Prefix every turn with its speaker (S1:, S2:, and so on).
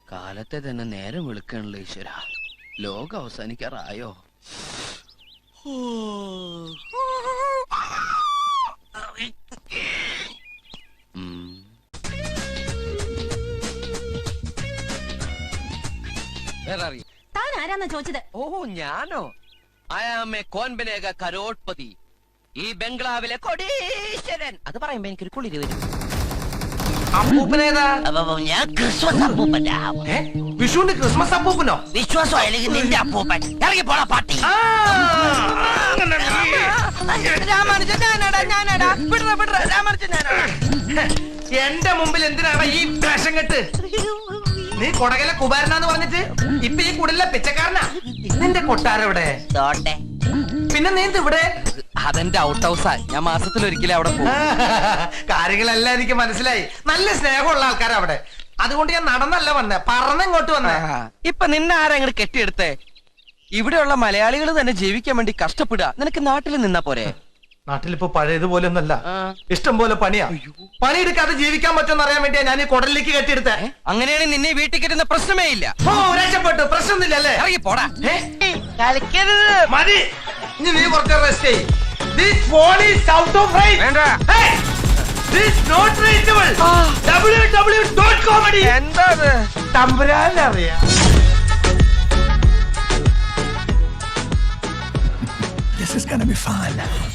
S1: കാലത്തെ തന്നെ നേരം വിളിക്കണല്ലോ ഈശ്വര. ലോകം അവസാനിക്കാറായോ?
S2: താൻ ആരാന്നാ ചോദിച്ചത്?
S1: ഓ ഞാനോ? ഐ ആം എ കോൻബനേഗ കരോട്ട്പതി, ഈ ബംഗ്ലാവിലെ കൊടീശ്വരൻ. അത് പറയുമ്പോ എനിക്കൊരു കുളിര് വരും.
S3: അപ്പൂപ്പനേതാ?
S4: ഞാൻ ക്രിസ്മസ് അപ്പൂപ്പന്റെ
S3: വിഷുവിന്റെ ക്രിസ്മസ് അപ്പൂപ്പനോ?
S4: വിശ്വാസം അല്ലെങ്കിൽ നിന്റെ അപ്പൂപ്പൻ. ഇറങ്ങി പോടാ പാട്ടി.
S3: എന്റെ മുമ്പിൽ എന്തിനാണ് ഈ വേഷം കെട്ട്? നീ കൊടകലെ കുബാരനാന്ന് പറഞ്ഞിട്ട് ഇപ്പൊ ഈ കുടിലെ പിച്ചക്കാരനാ. നിന്റെ കൊട്ടാരെവിടെ? പിന്നെ നീ ഇവിടെ?
S1: അതെന്റെ ഔട്ട് ഹൗസാ. ഞാൻ മാസത്തിലൊരിക്കലും അവിടെ പോകും.
S3: കാര്യങ്ങളെല്ലാം എനിക്ക് മനസ്സിലായി. നല്ല സ്നേഹമുള്ള ആൾക്കാരാ അവിടെ. അതുകൊണ്ട് ഞാൻ നടന്നല്ല വന്നേ, പറന്നിങ്ങോട്ട് വന്നേ.
S1: ഇപ്പൊ നിന്നെ ആരാ ഇങ്ങോട്ട് കെട്ടിയെടുത്തേ? ഇവിടെയുള്ള മലയാളികൾ തന്നെ ജീവിക്കാൻ വേണ്ടി കഷ്ടപ്പെടുക. നിനക്ക് നാട്ടിൽ നിന്നാ പോരെ?
S3: നാട്ടിലിപ്പോ പഴയതുപോലെ ഒന്നല്ല, ഇഷ്ടം പോലെ പണിയാ. പണിയെടുക്കാതെ ജീവിക്കാൻ പറ്റുമെന്ന് അറിയാൻ വേണ്ടിയാ ഞാൻ ഈ കുടലിലേക്ക് കെട്ടിയെടുത്തേ.
S1: അങ്ങനെയാണെങ്കിൽ നിന്നെ വീട്ടിൽ കെട്ടുന്ന പ്രശ്നമേ ഇല്ല.
S3: ഓ രക്ഷപ്പെട്ടു, പ്രശ്നമൊന്നുമില്ലല്ലേ?
S1: ഇറങ്ങി പോടാ.
S3: മതി, ഇനി നീ കുറച്ച് റെസ്റ്റ് ചെയ്യ്. This phone is out of range. Hey, this not reachable. www.comedy.
S1: എന്താണ്
S3: തമ്പുരാനറിയാം.
S5: This is gonna be fun.